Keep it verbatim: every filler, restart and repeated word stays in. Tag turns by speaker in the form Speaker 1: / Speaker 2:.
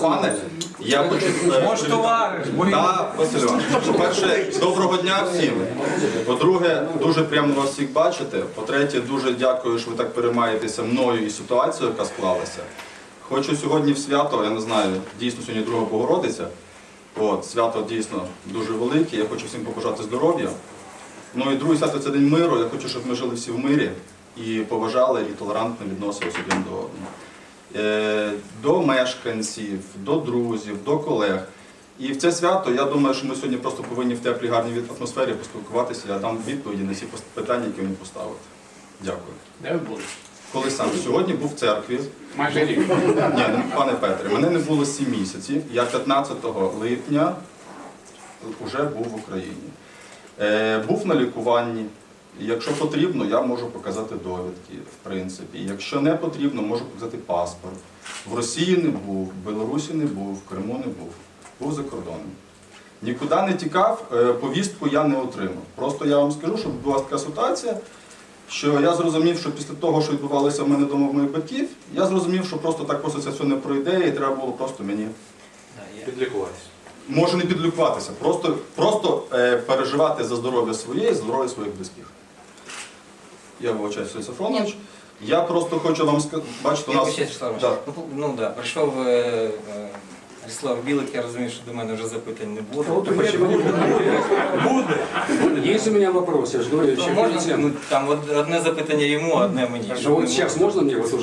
Speaker 1: пане, я хочу... е,
Speaker 2: Може, товариш, бо
Speaker 1: Так, Василь Іванович, по-перше, доброго дня всім. По-друге, дуже приємно вас всіх бачити. По-третє, дуже дякую, що ви так переймаєтеся мною і ситуацією, яка склалася. Хочу сьогодні в свято, я не знаю, дійсно сьогодні Друга Богородиця. От, свято дійсно дуже велике, я хочу всім побажати здоров'я. Ну і друге свято – це День миру, я хочу, щоб ми жили всі в мирі і поважали, і толерантно відносилися один до одного. Е, до мешканців, до друзів, до колег. І в це свято, я думаю, що ми сьогодні просто повинні в теплій, гарній атмосфері поспілкуватися, я дам відповіді на всі питання, які вони поставили. Дякую.
Speaker 3: Де ви були?
Speaker 1: Коли саме? Сьогодні був в церкві.
Speaker 3: Майже рік.
Speaker 1: Ні, ну, пане Петре, мене не було сім місяців. Я п'ятнадцятого липня вже був в Україні. Е, був на лікуванні. Якщо потрібно, я можу показати довідки, в принципі. Якщо не потрібно, можу показати паспорт. В Росії не був, в Білорусі не був, в Криму не був. Був за кордоном. Нікуди не тікав, е, повістку я не отримав. Просто я вам скажу, що була така ситуація, що я зрозумів, що після того, що відбувалося в мене вдома в моїх батьків, я зрозумів, що просто так просто це все не пройде, і треба було просто мені
Speaker 4: Підлікуватися.
Speaker 1: може не підлікуватися, просто, просто е, переживати за здоров'я своє і за здоров'я своїх близьких. Я вибачаюся, Сергій Сафронович. Я просто хочу вам сказати, бачите, у
Speaker 5: Я
Speaker 1: нас...
Speaker 5: вибачаюсь, Вячеслав
Speaker 1: Да.
Speaker 5: Іванович. Ну, ну да, прийшов е, е, Ріслав Білик, я розумію, що до мене вже запитань не буде.
Speaker 4: Буде.
Speaker 6: Есть у меня вопрос, я же говорю,
Speaker 5: Ну,
Speaker 6: еще
Speaker 5: можна,
Speaker 6: перед тем.
Speaker 5: ну, там од- одне запитання йому, одне мені.
Speaker 6: Ну
Speaker 5: щоб
Speaker 6: вот
Speaker 5: не
Speaker 6: сейчас
Speaker 5: було.
Speaker 6: можно мне вот уже